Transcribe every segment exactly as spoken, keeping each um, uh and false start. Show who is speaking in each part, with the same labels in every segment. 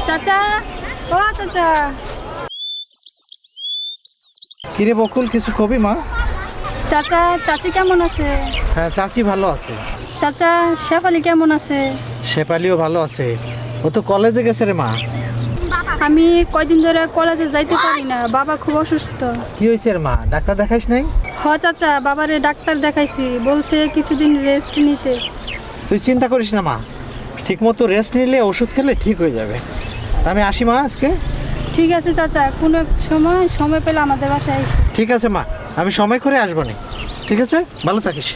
Speaker 1: চাচা, ও চাচা।
Speaker 2: কিরে বকুল, কিছু কবি মা?
Speaker 1: চাচা, চাচি কেমন আছে?
Speaker 2: হ্যাঁ, চাচি ভালো আছে।
Speaker 1: চাচা, শেফালি কেমন আছে?
Speaker 2: শেফালিও ভালো আছে। ও তো কলেজে গেছে রে মা।
Speaker 1: আমি কয়দিন ধরে কলেজে যাইতে পারি না, বাবা খুব অসুস্থ।
Speaker 2: কি হয়েছে রে মা? ডাক্তার দেখাইস নাই?
Speaker 1: হ চাচা, বাবারে ডাক্তার দেখাইছি, বলছে কিছুদিন রেস্ট নিতে।
Speaker 2: তুই চিন্তা করিস না মা, ঠিক মতো রেস্ট নিলে ওষুধ খেলে ঠিক হয়ে যাবে। আমি আসি মা আজকে।
Speaker 1: ঠিক আছে চাচা, কোনো এক সময় সময় পেলে আমাদের বাসায় এসে।
Speaker 2: ঠিক আছে মা, আমি সময় করে আসবো না। ঠিক আছে, ভালো থাকিস।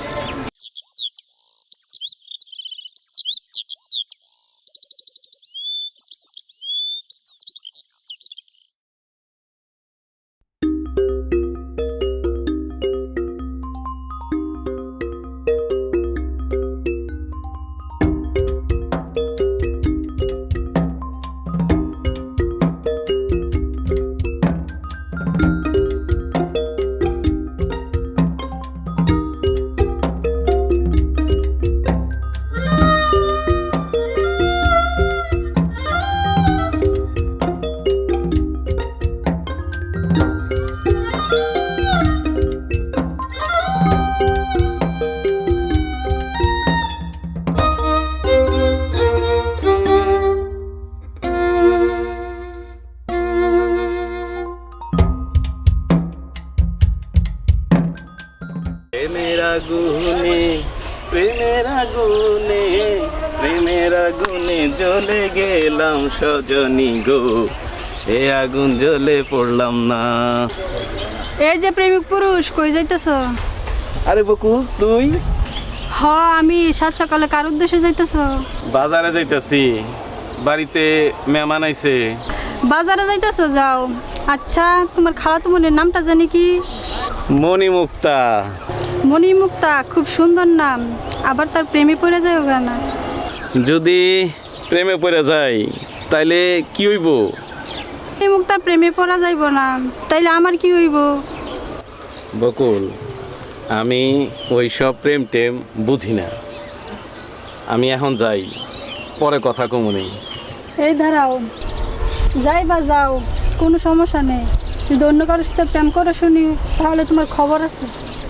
Speaker 3: প্রেমের আগুনে প্রেমের আগুনে প্রেমের আগুনে জ্বলে গেলাম সজনী গো, সে আগুন জ্বলে পড়লাম না।
Speaker 1: এই যে প্রেমিক পুরুষ, কই যাইতেছ?
Speaker 3: আরে বকুল, তুই?
Speaker 1: হ, আমি সাত সকালে কার উদ্দেশ্যে যাইতেছ?
Speaker 3: বাজারে যাইতাছি, বাড়িতে মেহমান আইছে।
Speaker 1: বাজারে যাইতেছ, যাও। আচ্ছা, তোমার খালাতো বোনের নামটা জানি কি?
Speaker 3: মণিমুক্তা।
Speaker 1: মণিমুক্তা, খুব সুন্দর নাম। আবার তার প্রেমে পড়ে যায় ওগা না?
Speaker 3: যদি প্রেমে পড়ে যাই তাইলে কি হইব?
Speaker 1: মণিমুক্তার প্রেমে পড়া যাইব না, তাইলে আমার কি হইব?
Speaker 3: বকুল, আমি ওই সব প্রেম টেম বুঝি না। আমি এখন যাই, পরে কথা কমুনি।
Speaker 1: এই ধারাও, যাই বা যাও, কোনো সমস্যা নেই। যদি অন্য কারোর সাথে প্রেম করে শুনি, তাহলে তোমার খবর আছে।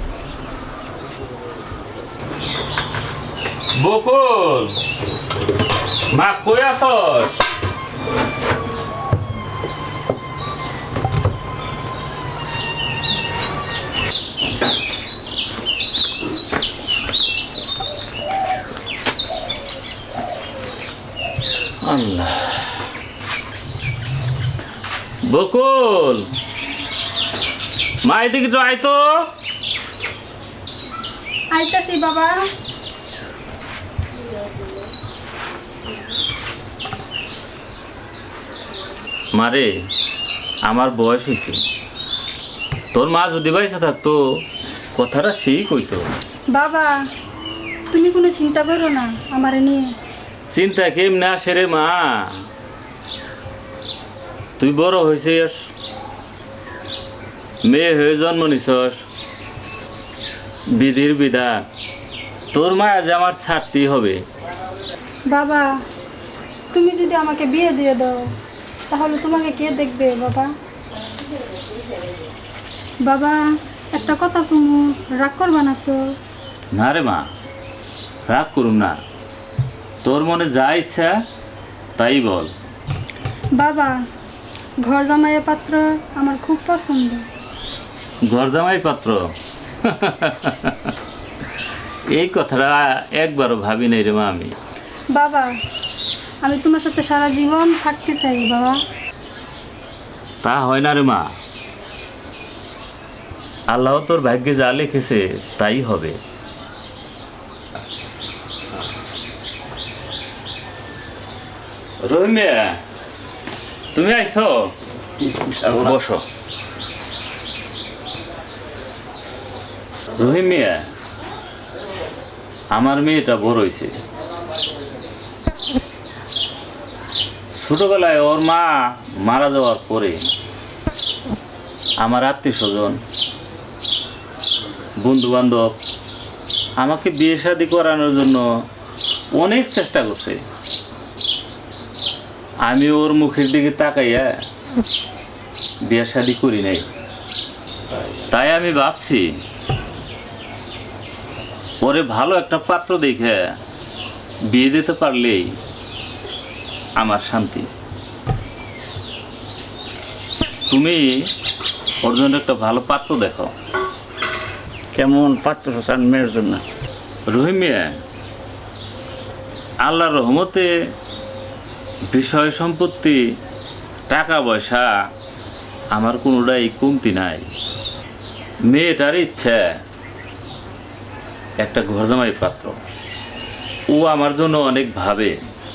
Speaker 3: বকুল, মা কই আসস? আল্লাহ, বকুল, মা এদিকে তো আয় তো।
Speaker 1: আইতাছি বাবা।
Speaker 4: মারে, আমার বয়স হয়েছে, তোর মা যদি বাইসা থাকতো কথাটা সেই কইতো।
Speaker 1: বাবা, তুমি কোনো চিন্তা করো না আমারে নিয়ে।
Speaker 4: চিন্তা কেমনে আসে রে মা? তুই বড় হয়েছিস, মেয়ে হয়ে জন্ম নিছস, বিধির বিধান, তোর মায়া যে আমার ছাড়তেই হবে।
Speaker 1: বাবা, তুমি যদি আমাকে বিয়ে দিয়ে দাও, তাহলে তোমাকে কে দেখবে বাবা? বাবা, একটা কথা তুমি রাগ করবা না তো?
Speaker 4: না রে মা, রাগ করুম না, তোর মনে যা ইচ্ছা তাই বল।
Speaker 1: বাবা, ঘর জামাইয়ের পাত্র আমার খুব পছন্দ।
Speaker 4: ঘরজামাই পাত্র? এই কথাটা একবারও ভাবি নাই রে মা আমি।
Speaker 1: বাবা, আমি তোমার সাথে সারা জীবন থাকতে চাই বাবা।
Speaker 4: তা হয় না রে মা, আল্লাহ তোর ভাগ্যে যা লিখেছে তাই হবে। রহিমিয়া, তুমি আইছো? বসো। রহিমিয়া, আমার মেয়েটা বড় হয়েছে। ছোটবেলায় ওর মা মারা যাওয়ার পরে আমার আত্মীয় স্বজন, বন্ধু বান্ধব আমাকে বিয়ে শাদী করানোর জন্য অনেক চেষ্টা করছে, আমি ওর মুখের দিকে তাকাইয়া বিয়ে শাদি করি নাই, তাই আমি ভাবছি ওরে ভালো একটা পাত্র দেখে বিয়ে দিতে পারলেই আমার শান্তি। তুমি ওর জন্য একটা ভালো পাত্র দেখো।
Speaker 5: কেমন পাত্র চান মেয়ের জন্য?
Speaker 4: রহিম মিয়া, আল্লাহর রহমতে বিষয় সম্পত্তি টাকা পয়সা আমার কোনোটাই কমতি নাই। মেয়েটার ইচ্ছা একটা ঘর জামাই পাত্র, ও আমার জন্য অনেক ভাবে,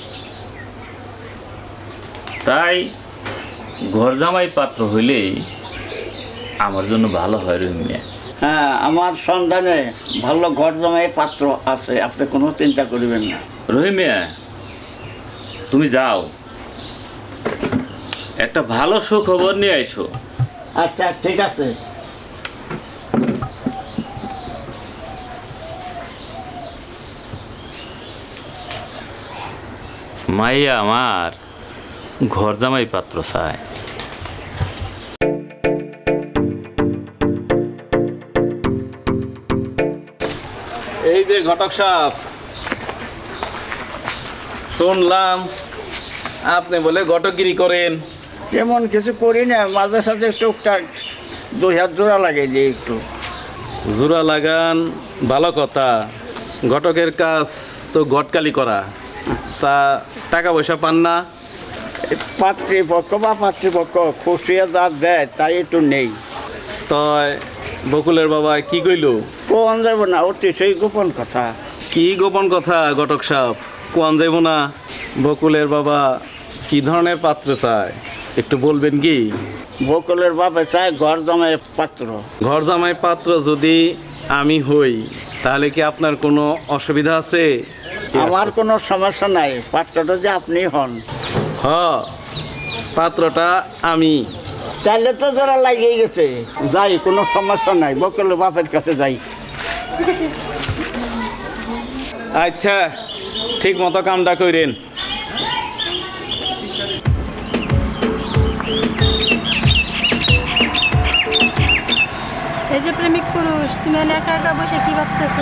Speaker 4: তাই ঘর জামাই পাত্র হইলেই আমার জন্য ভালো হয় রহিম মিয়া।
Speaker 5: হ্যাঁ, আমার সন্ধানে ভালো ঘর জমাই পাত্র আছে, আপনি কোনো চিন্তা করবেন না।
Speaker 4: রহিম মিয়া, তুমি যাও, একটা ভালো সুখবর নিয়ে আইসো।
Speaker 5: আচ্ছা ঠিক আছে।
Speaker 4: মাইয়া আমার ঘর জামাই পাত্র চায়।
Speaker 3: এই যে ঘটক সাহেব, শুনলাম আপনি বলে ঘটকগিরি করেন।
Speaker 5: তেমন কিছু করি না, মাঝে সাথে টুকটাক দুই হাত জোড়া লাগে যে একটু।
Speaker 3: জোড়া লাগান ভালো কথা, ঘটকের কাজ তো ঘটকালি করা, তা টাকা পয়সা পান না?
Speaker 5: পাতৃপক্ষ বা পাতৃপক্ষ খুশিয়া যা দেয় তাই একটু নেই।
Speaker 3: তয় বকুলের বাবা কি কইল?
Speaker 5: কোন যাব না, অতি সেই গোপন কথা।
Speaker 3: কি গোপন কথা ঘটক সাহেব, কোয়ান যাইব না? বকুলের বাবা কি ধরনের পাত্র চায় একটু বলবেন কি?
Speaker 5: বকুলের বাপে চায় ঘর জমাই পাত্র।
Speaker 3: ঘর জামাই পাত্র যদি আমি হই তাহলে কি আপনার কোনো অসুবিধা আছে?
Speaker 5: আমার কোনো সমস্যা নাই, পাত্রটা যে আপনি হন।
Speaker 3: হ, পাত্রটা আমি।
Speaker 5: তাহলে তো যারা লাগিয়ে গেছে, যাই, কোনো সমস্যা নাই, বকুলের বাপের কাছে যাই।
Speaker 3: আচ্ছা, ঠিক মতো কামটা কইরেন।
Speaker 1: এই যে প্রেমিক পুরুষ, তুমি এনে একা একা বসে কি ভাবতেছো?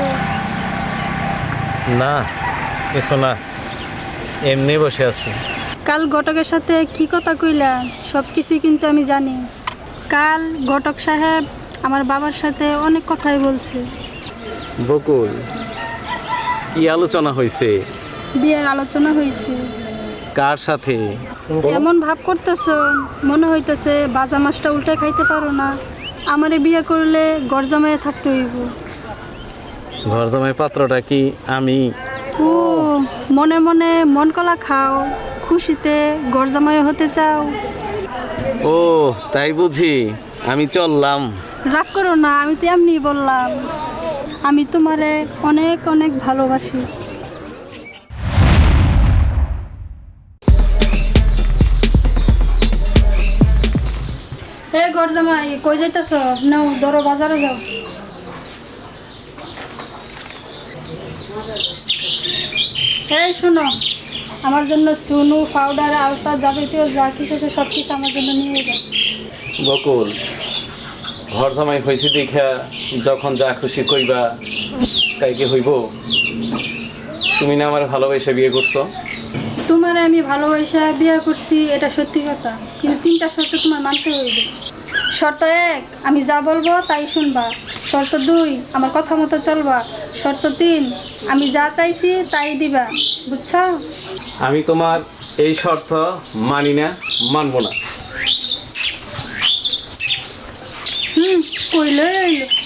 Speaker 2: না কিছু না, এমনি বসে আছি।
Speaker 1: কাল ঘটকের সাথে কি কথা কইলা সব কিছুই কিন্তু আমি জানি। কাল ঘটক সাহেব আমার বাবার সাথে অনেক কথাই বলছে।
Speaker 3: বকুল, কি আলোচনা হয়েছে?
Speaker 1: বিয়ের আলোচনা হয়েছে।
Speaker 3: কার সাথে?
Speaker 1: এমন ভাব করতেছো মনে হইতেছে বাজা মাছটা উল্টে খাইতে পারো না। আমারে বিয়ে করলে ঘর জমায়ে থাকতে হইব।
Speaker 3: ঘর জামাই পাত্রটা কি আমি?
Speaker 1: ও, মনে মনে মন কলা খাও, খুশিতে ঘর জামাই হতে চাও।
Speaker 3: ও তাই বুঝি, আমি চললাম।
Speaker 1: রাগ করো না, আমি তো এমনি বললাম। আমি তোমারে অনেক অনেক ভালোবাসি। এ ঘর জামাই, কই যাইতেছ? নাও ধরো, বাজারে যাও। এই শোনো, আমার জন্য সুনু, পাউডার, আলতা, যাবতীয় যা কিছু আছে সব কিছু আমার জন্য নিয়ে যাও।
Speaker 3: বকুল, ঘর জামাই হয়েছে দেখা যখন যা খুশি কইবা তাই কি হইব? তুমি না আমার ভালোবাসা বিয়ে করছো?
Speaker 1: তোমার আমি ভালোবাসা বিয়ে করছি, এটা সত্যি কথা, কিন্তু তিনটা শর্ত তোমার মানতে হইবে। শর্ত এক, আমি যা বলবো তাই শুনবা। শর্ত দুই, আমার কথা মতো চলবা। শর্ত তিন, আমি যা চাইছি তাই দিবা। বুঝছো?
Speaker 3: আমি তোমার এই শর্ত মানি না, মানবো না।
Speaker 1: হুম, কইলে